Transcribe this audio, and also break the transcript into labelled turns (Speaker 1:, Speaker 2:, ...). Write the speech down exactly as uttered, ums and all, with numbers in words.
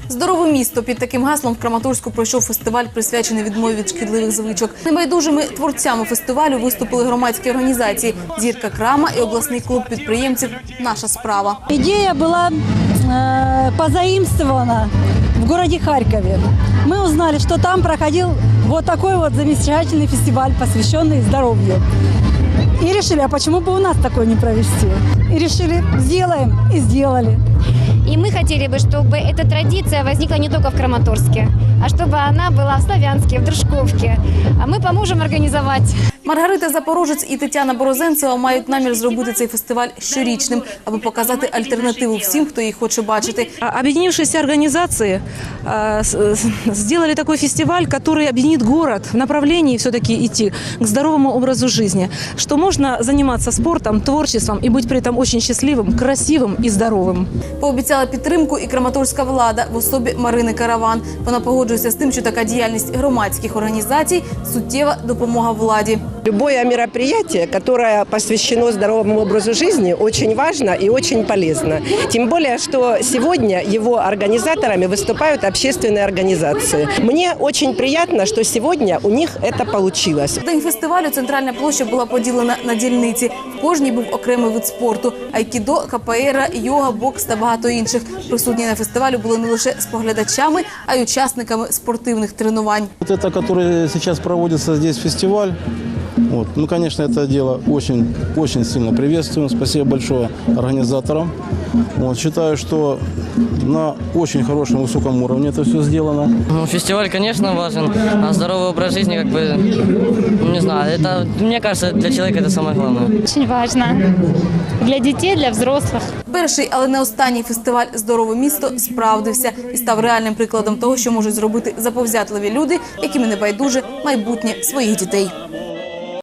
Speaker 1: Здорове місто. Під таким гаслом в Краматорську пройшов фестиваль, присвячений відмові від шкідливих звичок. Небайдужими творцями фестивалю виступили громадські організації «Зірка Крама» і обласний клуб підприємців «Наша справа».
Speaker 2: Идея была э, позаимствована в городе Харькове. Мы узнали, что там проходил вот такой вот замечательный фестиваль, посвященный здоровью. И решили, а почему бы у нас такой не провести? И решили, сделаем, и сделали.
Speaker 3: И мы хотели бы, чтобы эта традиция возникла не только в Краматорске, а чтобы она была в Славянске, в Дружковке. А мы поможем организовать.
Speaker 1: Маргарита Запорожець і Тетяна Борозенцева мають намір зробити цей фестиваль щорічним, аби показати альтернативу всім, хто її хоче бачити.
Speaker 4: Объединившиеся организации э, сделали такой фестиваль, который объединит город в направлении все-таки идти к здоровому образу жизни, что можно заниматься спортом, творчеством и быть при этом очень счастливым, красивым и здоровым.
Speaker 1: Пообіцяла підтримку і краматорська влада в особі Марини Караван. Вона погоджується з тим, що така діяльність громадських організацій – суттєва допомога владі.
Speaker 5: Любое мероприятие, которое посвящено здоровому образу жизни, очень важно и очень полезно. Тем более, что сегодня его организаторами выступают общественные организации. Мне очень приятно, что сегодня у них это получилось.
Speaker 1: В день фестивалю центральна площа була поділена на дільниці. В кожній був окремий вид спорту – айкідо, капоейра, йога, бокс та багато інших. Присутні на фестивалю були не лише споглядачами, а й учасниками спортивних тренувань.
Speaker 6: Вот это, который сейчас проводится здесь фестиваль, вот, ну, конечно, это дело очень, очень сильно приветствуем. Спасибо большое организаторам. Вот, считаю, что на очень хорошем, высоком уровне это все сделано.
Speaker 7: Ну, фестиваль, конечно, важен, а здоровый образ жизни, как бы, не знаю, это, мне кажется, для человека это самое главное.
Speaker 3: Очень важно. Для детей, для взрослых.
Speaker 1: Перший, але не останній фестиваль «Здорове місто» справдився і став реальним прикладом того, що можуть зробити заповзятливі люди, яким не байдуже майбутнє своїх дітей.